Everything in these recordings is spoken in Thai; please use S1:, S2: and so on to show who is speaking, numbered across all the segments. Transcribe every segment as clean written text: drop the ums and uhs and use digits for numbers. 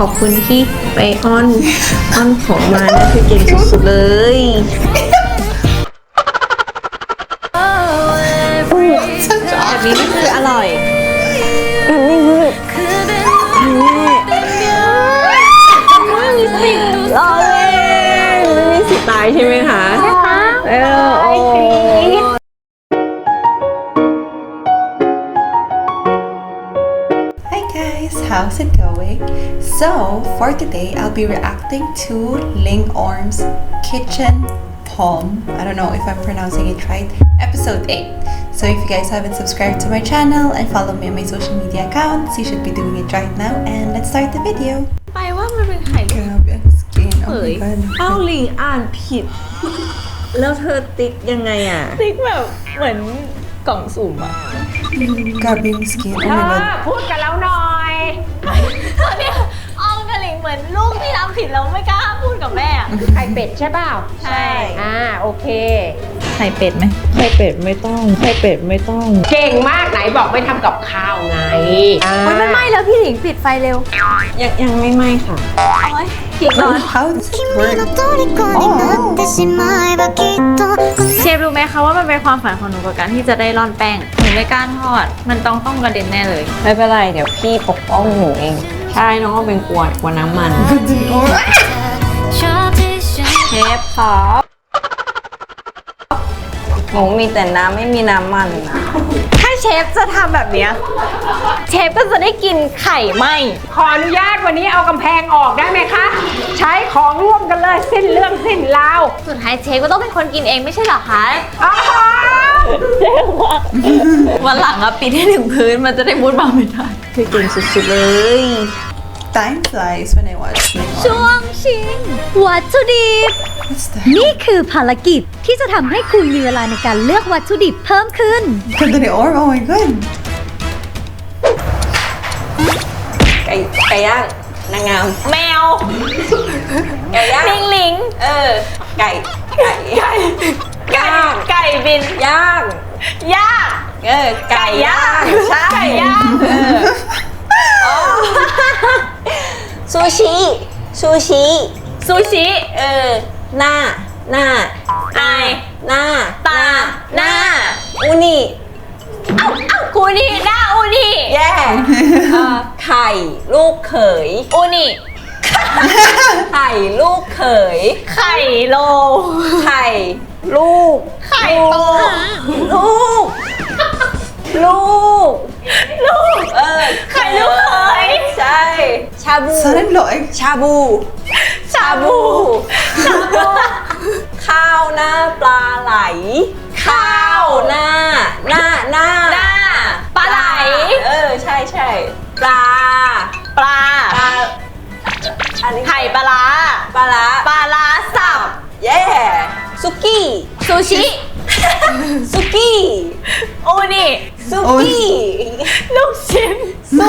S1: อบคุณที่ไปอ้อนของมานะคือเก่งสุดๆเลยแบบนี้นี่คืออร่อยรอเลยมันมีสิทธิ์ตายใช่ไหมคะใช่ค่ะโอ้
S2: Hi guys, how's it going? So for today I'll be reacting to Ling Orm's Kitchen Palm. I don't know if I'm pronouncing it right. Episode 8. So if you guys haven't subscribed to my channel and follow me on my social media accounts, you should be doing it right now. And let's start the video.
S1: ไปว่ามันเป็นไข่ลูก
S2: Grabe ang skin. Oh
S1: เฮ้ย
S2: my god.
S1: เอ้าลิงอ่านผิด แล้วเธอติ๊กยังไงอ่ะ
S3: ติ๊กแบบเหมือนกล่องสุ่มอะ
S2: Grabe yung skin. Oh my god.
S3: พูดกับเราหน่อยตอนเนี้ยออมกับหลิงเหมือนลูกที่ทำผิดแล้วไม่กล้าพูดกับแม่อะไข่เป็ดใช่เปล่า
S1: ใช่
S3: โอเค
S1: ไข่เป็ดไหมไข่เป็ดไม่ต้องไข่เป็ดไม่ต้อง
S3: เก่งมากไหนบอกไม่ทำกับข้าวไง
S4: มันไม่ไหม้แล้วพี่หลิงปิดไฟเร็ว
S1: ยังไม่ไหม้ค่ะ
S4: ผิดก่อน
S2: How does it work?
S4: เชฟรู้ไหมคะว่ามันเป็นความฝันของหนูกับการที่จะได้ร่อนแป้ง หนูไม่กล้าทอด มันต้องกระเด็นแน่เลย
S1: ไม่เป็นไร เดี๋ยวพี่ปกป้องหนูเอง ใช่น้องก็เป็นกลัวน้ำมัน เชฟครับหนูมีแต่น้ำไม่มีน้ำมันนะ
S4: ถ้าเชฟจะทำแบบเนี้ยเชฟก็จะได้กินไข่ไหม
S3: ขออนุญาตวันนี้เอากำแพงออกได้ไหมคะ ใช้ของร่วมกันเลยสิ้นเรื่องสิ้นราว
S4: สุดท้ายเชฟก็ต้องเป็นคนกินเองไม่ใช่เหรอคะ
S3: อ้าว
S4: วันหลังอะปิดให้ถึงพื้นมันจะได้มุดมาไม่ได้
S1: คือเก่งสุดๆเลย
S2: Time flies when I watch Ling Orm.
S5: ช่วงชิงวัตถุดิบ
S2: What's that?
S5: นี่คือภารกิจที่จะทำให้คุณมีเวลาในการเลือกวัตถุดิบเพิ่มขึ้น
S2: Ling Orm, oh my god.
S1: ไก่ย่างนางงาม
S4: แมว
S1: ไก่ย่าง
S4: ลิงลิง
S1: ไก่
S4: บิน
S1: ย่าง
S4: ย่าง
S1: ไก่ย่างใช่
S4: ไก่ย่าง
S1: ซูชิ
S4: ซูชิ
S1: หน้า
S4: ไอ
S1: หน้า
S4: ตาหน้า
S1: อูนิ
S4: อูนี่หน้าอูนี่
S1: แย่ไข่ลูกเขย
S4: อูนี่
S1: ไข่ลูกเขย
S4: ไข่โล
S1: ไข่ลูก
S4: ไข่โต
S1: ลูก
S4: ไข่ลูกเขย
S1: ใช่ ชาบู
S2: Son-in-law.
S1: ชาบู ข้าวหน้าปลาไหล ข้าวหน้า
S4: ปลาไหล
S1: ใช่ปลา อันนี้
S4: ไข่ปลาร้า
S1: ปลาร้า
S4: ปลาร้าสับ
S1: เย่ซุกี้
S4: ซูชิ อูนี่
S1: ซุกี้
S4: ลูกชิ้น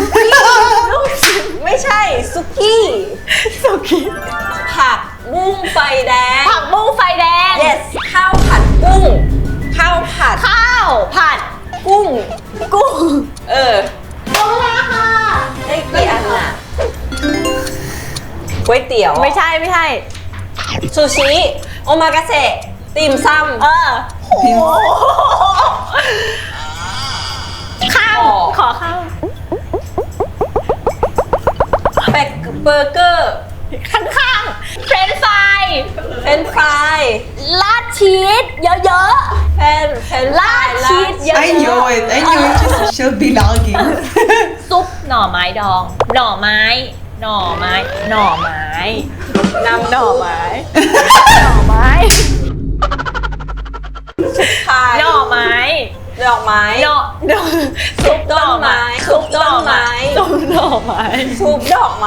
S1: ไม่ใช่ซุกี้ ผักบุ้งไฟแดง
S4: ผักบุ้งไฟแดง
S1: yes ข้าวผัดกุ้ง ข้าวผัด
S4: ข้าวผัด
S1: กุ้ง
S4: ลงแล้วค่ะ
S1: ได้กี่อันน่ะก๋วยเตี๋ยว
S4: ไม่ใช่
S1: ซูชิ โอมากาเสะติ่มซำ
S4: ข้าวขอข้าว
S1: เบอร์เกอร์
S4: ข้างๆเฟรนช์ฟราย
S1: เฟรนช์ฟราย
S4: ราดชีสเยอะ
S1: เฟรนช์ฟราย
S4: ราดชีสเยอะ
S2: I knew it. She'll be lagging.
S4: ๆซุปหน่อไม้ดอง หน่อไม้ น้ำหน่อไม้
S1: ดอกไม้
S4: หน่อไม้
S1: ดอกไม้
S4: ซุปหน่อไม้
S1: ซุปต้นไม้
S4: ซุปหน่อไม้
S1: ซุปดอกไม้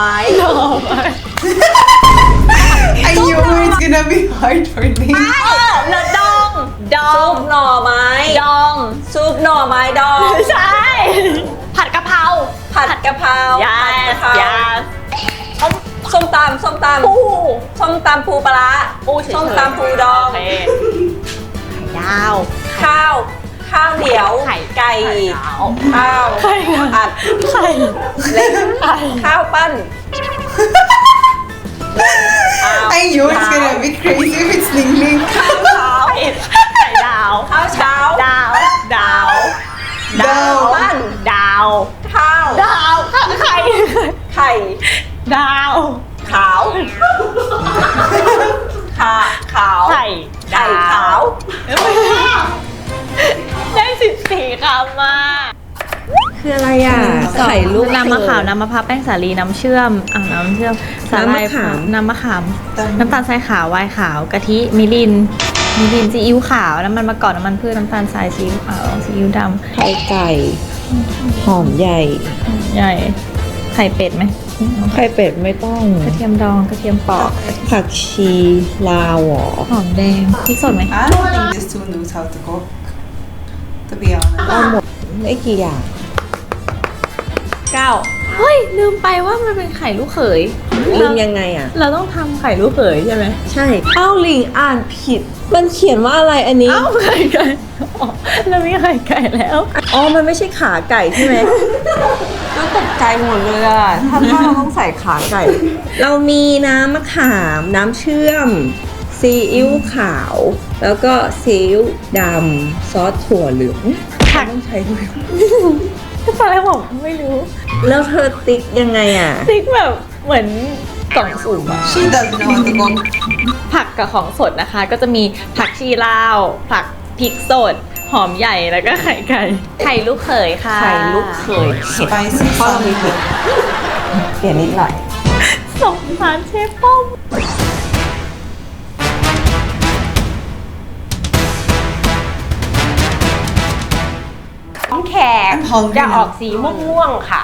S2: I knew it's gonna be hard for me.
S4: แล้วดอง
S1: ซุปหน่อไม้
S4: ดอง
S1: ซุปหน่อไม้ดอง
S4: ใช่ ผัดกะเพรา
S1: ผัดกะเพราย
S4: า
S1: ผัดกะเพราย
S4: า
S1: ส้มตำส้มตำปูปลาร้า
S4: ปูเฉยๆ
S1: ส้มตำปูดอง
S4: โเคไข่ดาว
S1: ข้าวเหนียว
S4: ไข่
S1: ไก่
S4: ดาว
S1: ข้าว
S4: ไข่
S1: ผัด
S4: ไข่
S1: เล็ก
S4: ไข่
S1: ข้าวปั้น
S2: I knew it's gonna be crazy if it's Ling Ling.
S1: ข้าวเช้า
S3: ไข่ดาว
S1: ข้าวเช้า
S3: ดาว ดาว
S2: ดาว
S1: บ้าน
S3: ดาว
S1: ข้าว
S3: ดาวไข่
S1: ไข่
S3: ดาว
S1: ขาวขาว
S3: ไข่
S1: ไข่ขาว
S3: ได้14คำมา
S1: คืออะไรอ่ะไข่ลูก
S4: น้ำมะขามน้ำมะพร้าวแป้งสาลีน้ำเชื่อมน้ำเชื่อมสาหร่าย
S1: น้ำมะขาม
S4: น้ำตาลทรายขาวไวน์ขาวกะทิมิรินซีอิ๊วขาวน้ำมันมะกอกน้ำมันพืชน้ำตาลทรายซีอิ๊วขาวซีอิ๊วด
S1: ไข่ไก่หอมใหญ่
S4: ำใหญ่ไข่เป็ดไหม
S1: ไข่เป็ดไม่ต้อง
S4: กระเทียมดองกระเทียมปอก
S1: ผักชีลาวหรอ
S4: หอมแดงพริกสดไหม
S2: I don't think these two knows how to cook. To be honest.
S1: ไม่กี่อย่าง
S4: เฮ้ยลืมไปว่ามันเป็นไข่ลูกเขย
S1: ลืมยังไงอ่ะ
S4: เราต้องทำไข่ลูกเขยใช่ไหม
S1: ใช่เอ้าลิงอ่านผิด มันเขียนว่าอะไรอันนี้
S4: เอ้าไข่ไก่อ๋อเรามีไข่ไก่แล้ว
S1: อ๋อ มันไม่ใช่ขาไก่ใช่ไหม ก็ตกใจหมดเลยอ่ะถ้าเราต้องใส่ขาไก่ เรามีน้ำมะขาม น้ำเชื่อม ซีอิ๊วขาว แล้วก็ซีอิ๊วดำ ซอสถั่วเหลืองผักต้องใช้ด้วย
S4: ตอนแรกบอกไม่รู้
S1: แล้วเธอติ๊กยังไงอ่ะ
S4: ติ๊กแบบเหมือนกล่องสุ่มอะ
S2: She doesn't know how to cook.
S4: ผักกับของสดนะคะ ก็จะมีผักชีลาว ผักพริกสด หอมใหญ่แล้วก็ไข่ไก่ ไข่ลูกเขยค่ะ
S1: ไข่ลูกเขย
S2: Spicy
S1: เพราะเรามี
S2: something.
S1: เปลี่ยนนิดหน่อย
S4: สงสารเชฟป้อม
S3: หอมแขก
S2: I'm hungry
S3: จะออก
S2: now.
S3: สีม่วงๆค่ะ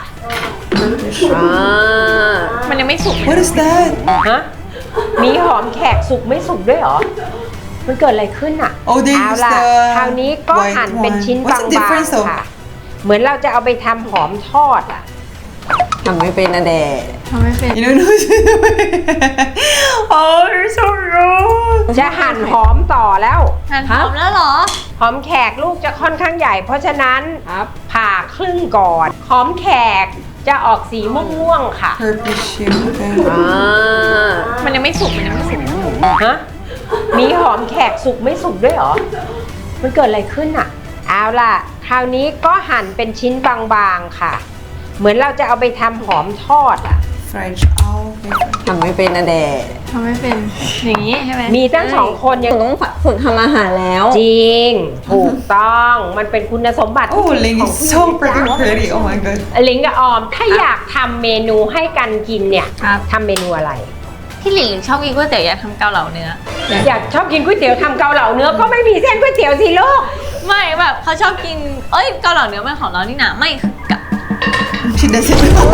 S4: มันยังไม่สุก
S2: What is that?
S3: ฮะ มีหอมแขกสุกไม่สุกด้วยเหรอ มันเกิดอะไรขึ้นอ่ะ
S2: Oh, they
S3: เอา
S2: use
S3: ล่ะ
S2: the
S3: คราวนี้ก็
S2: white
S3: หั่นเป็น
S2: one.
S3: ชิ้น
S2: What's
S3: บาง
S2: the difference
S3: ๆ
S2: though?
S3: ค่ะ เหมือนเราจะเอาไปทำหอมทอดอ่ะ
S1: ทำไม่เป็นนะเด
S4: ทำไม่เป็น
S2: You don't know what she's doing. Oh, you're so wrong.
S3: จะหั่นหอมต่อแล้ว
S4: หั่นหอมแล้วเหรอ
S3: หอมแขกลูกจะค่อนข้างใหญ่ เพราะฉะนั้นผ่าครึ่งก่อน หอมแขกจะออกสีม่วงๆค่ะ
S2: Purple shit. Okay.
S4: มันยังไม่สุก มันยังไม่สุก
S3: ฮะ มีหอมแขกสุกไม่สุกด้วยเหรอ มันเกิดอะไรขึ้นอ่ะ เอาล่ะ คราวนี้ก็หั่นเป็นชิ้นบางๆค่ะ เหมือนเราจะเอาไปทำหอมทอดอ่ะ
S2: French. Oh, okay.
S1: ทำไม่เป็นนะเด
S4: ทำไม่เป็น อย่างนี้ใช่ไหม
S3: มีตั้งสองคนยัง
S1: ต้องฝึกทำอาหารแล้ว
S3: จริง ถูกต้อง มันเป็นคุณสมบัติ
S2: Oh, Ling
S3: ของ
S2: is
S3: ผู้หญิ
S2: so
S3: ง
S2: freaking pretty. Oh my god.
S3: ลิงกับออม ถ้าอยากทำเมนูให้กันกินเนี่ยทำเมนูอะไร
S4: พี่หลิงชอบกินก๋วยเตี๋ยวอยากทำเกาเหลาเนื้อ
S3: อยากชอบกินก๋วยเตี๋ยวทำเกาเหลาเนื้อก็ไม่มีเส้นก๋วยเตี๋ยวสิลูก
S4: ไม่แบบเขาชอบกิน เอ้ยเกาเหลาเนื้อมันของเรานี่นะไม่คือกะ
S2: She doesn't know.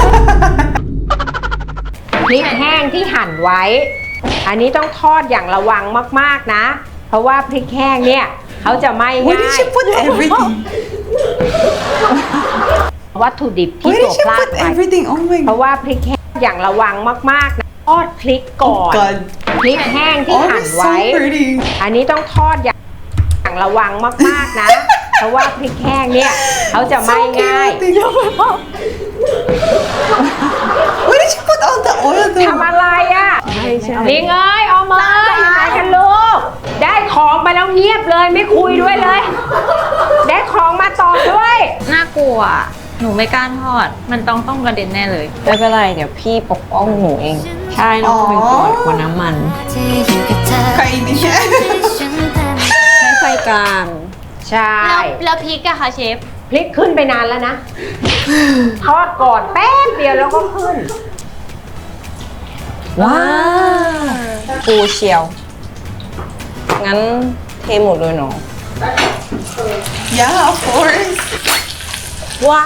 S3: พริกแห้งที่หั่นไว้ อันนี้ต้องทอดอย่างระวังมากๆนะ เพราะว่าพริกแห้งเนี่ยเขาจะไหม้
S2: Why
S3: ง่า
S2: did
S3: ย
S2: she put everything?
S3: วัตถุดิบที่
S2: Why
S3: ตัว
S2: did she
S3: พลาด
S2: put
S3: ไป
S2: everything? Oh my
S3: เพราะ
S2: god.
S3: ว่าพริกแห้งอย่างระวังมากๆนะทอดพริกก่อน
S2: God.
S3: พริกแห้งที่
S2: Oh,
S3: หั่น
S2: it's
S3: ไว้
S2: so pretty.
S3: อันนี้ต้องทอดอย่างระวังมากๆนะ เพราะว่าพริกแห้งเนี่ยเขาจะไหม้
S2: So
S3: ง่าย
S2: chaotic. Why did she put all the oil
S3: ทำ
S2: though?
S3: อะไรอ่ะลิงเอ้ยออกมาอยู่ไหนกันลูก ได้ของไปแล้วเงียบเลยไม่คุยด้วยเลย ได้ของมาตอบด้วย
S4: น่ากลัว หนูไม่กล้าทอด มันต้องกระเด็นแน่เลย
S1: ไม่เป็นไร เดี๋ยวพี่ปกป้องหนูเอง ใช่น้องเป็นคนน้ำมัน
S2: Kainin siya.
S1: ให้ไฟกลาง
S3: ใช่
S4: แล้วพริกอะคะเชฟ
S3: พลิกขึ้นไปนานแล้วนะ ทอดก่อนแป๊บเดียวแล้วก็ขึ้น
S1: ว้าวปูเชียว งั้นเทหมดเลยเนาะ
S2: Yeah, of course.
S4: ว้า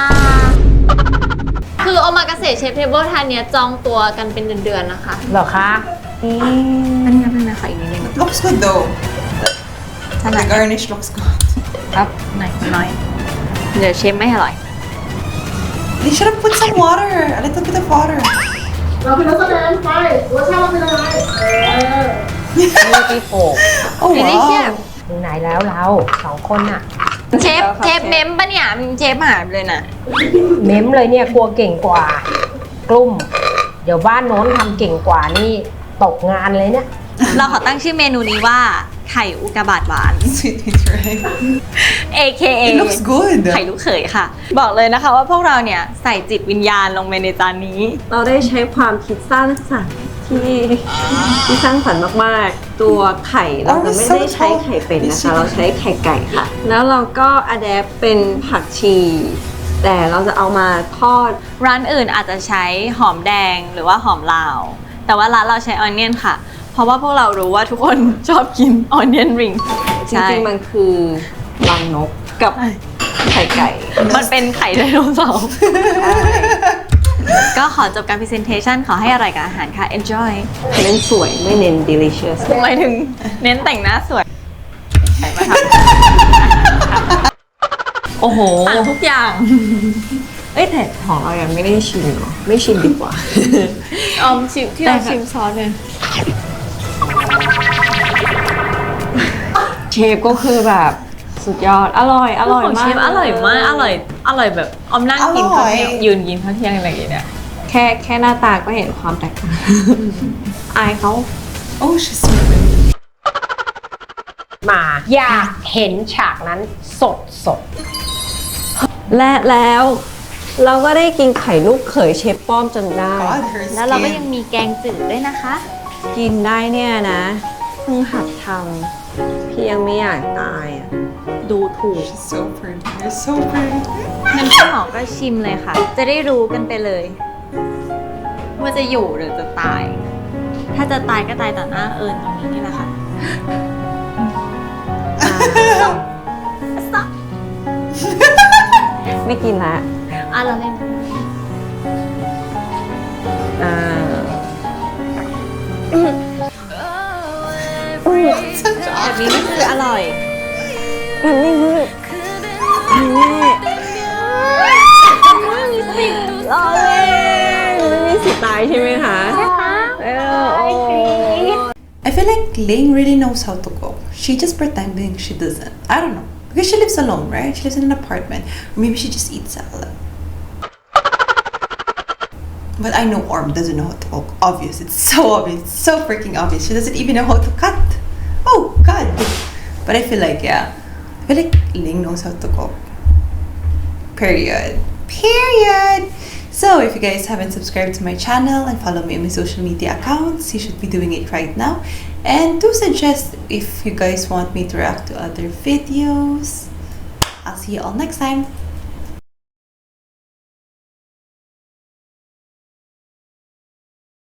S4: คือโอมากาเสะเชฟเทเบิลทานเนี้ยจองตัวกันเป็นเดือนๆนะคะ
S3: เหรอคะ
S4: อันนี้เป็นนะคะอีกนิดนึง
S2: It looks good though. The garnish looks good.
S4: ครับหน่อยน้อย เดี๋ยวเชฟไม่อร่อย
S2: They should have put some water. A little bit of water.
S6: เราเป็นนักแสดงไปรสชาติเราเป็นอะไร
S3: นี่พี่โปก
S2: Oh
S4: ไม่ได้เชี่ย
S2: wow.
S3: ถึงไหนแล้วเราสองคนน่ะ
S4: เชฟเมมปะเนี่ยเชฟหายไปเลยนะ
S3: เม้มเลยเนี่ยกลัวเก่งกว่ากลุ่ม เดี๋ยวบ้านโน้นทำเก่งกว่านี่ตกงานเลยเนี่ย
S4: เราขอตั้งชื่อเมนูนี้ว่าไข่อุกาบาตหวาน
S2: Sweet meat rice.
S4: AKA
S2: It looks good.
S4: ไข่ลูกเขยค่ะ บอกเลยนะคะว่าพวกเราเนี่ยใส่จิตวิญญาณลงไปในจานนี้
S1: เราได้ใช้ความคิดสร้างสรรค์ที่สร้างสรรค์มากๆ ตัวไข่เราจะไม่ได้ใช้ไข่เป็ดนะคะ เราใช้ไข่ไก่ค่ะ แล้วเราก็อะแดปเป็นผักชี แต่เราจะเอามาทอด
S4: ร้านอื่นอาจจะใช้หอมแดงหรือว่าหอมลาว แต่ว่าร้านเราใช้ออนเนียนค่ะ เพราะว่าพวกเรารู้ว่าทุกคนชอบกินออนเนียนริง
S1: จริงๆมันคือรังนกกับไข่ไก่
S4: มันเป็นไข่ไดโนเสาร์ก็ขอจบการ presentation ขอให้อร่อยกับอาหารค่ะ enjoy
S1: เน้นสวยไม่เน้น delicious
S4: หมายถึงเน้นแต่งหน้าสวยมาท
S1: โอ้โห
S4: ำสั่งทุกอย่าง
S1: เอ้ยแต่ของเรายังไม่ได้ชิมเนาะไม่ชิมดีกว่า
S4: ออมชิมที่เราชิมซอสเลย
S1: เชฟก็คือแบบสุดยอด อร่อย อร่อย
S4: ของ
S1: มา
S4: เช
S1: ก
S4: ฟอร่อยมาก อร่อยแบบออมนั่งกินข้าวเที่ยง
S2: อร่อย
S4: ยืนกินข้าวเที่ยงอะไรอย่างเงี้ย
S1: แค่หน้าตาก็เห็นความแตกต่าง อายเขา
S2: Oh, she's so pretty.
S3: มาอยากเห็นฉากนั้นสด
S1: และแล้วเราก็ได้กินไข่ลูกเขยเชฟป้อมจนได้
S2: God, her
S4: แล้วเราก็
S2: skin.
S4: ยังมีแกงจืดด้วยนะคะ
S1: กินได้เนี่ยนะเพิ่งหัดทำพี่ยังไม่อยากตายอ่ะ
S4: ดูถูก
S2: She's so pretty. You're so pretty.
S4: งั้นพี่หมอก็ชิมเลยค่ะ จะได้รู้กันไปเลย ว่าจะอยู่หรือจะตาย ถ้าจะตายก็ตายต่อหน้าเอิญตรงนี้นี่แหละค่ะ
S1: ไม่กินละ
S4: เราเล่น
S1: อ่า
S4: แบบนี้นี่คืออร่อย
S1: มันไม่คือมันไม่รอเลยมันไม่สิตายใช่ไหมคะใช่ค่ะโอ้
S2: I feel like Ling really knows how to cook. She just pretending she doesn't. I don't know. Because she lives alone, right? She lives in an apartment. Or maybe she just eats salad. But I know Orm doesn't know how to cook. Obvious. It's so obvious. It's so freaking obvious. She doesn't even know how to cut. Oh, God. But I feel like, yeah. I feel like Ling knows how to cook. Period. Period. So if you guys haven't subscribed to my channel and follow me on my social media accounts, you should be doing it right now. And do suggest if you guys want me to react to other videos. I'll see you all next time.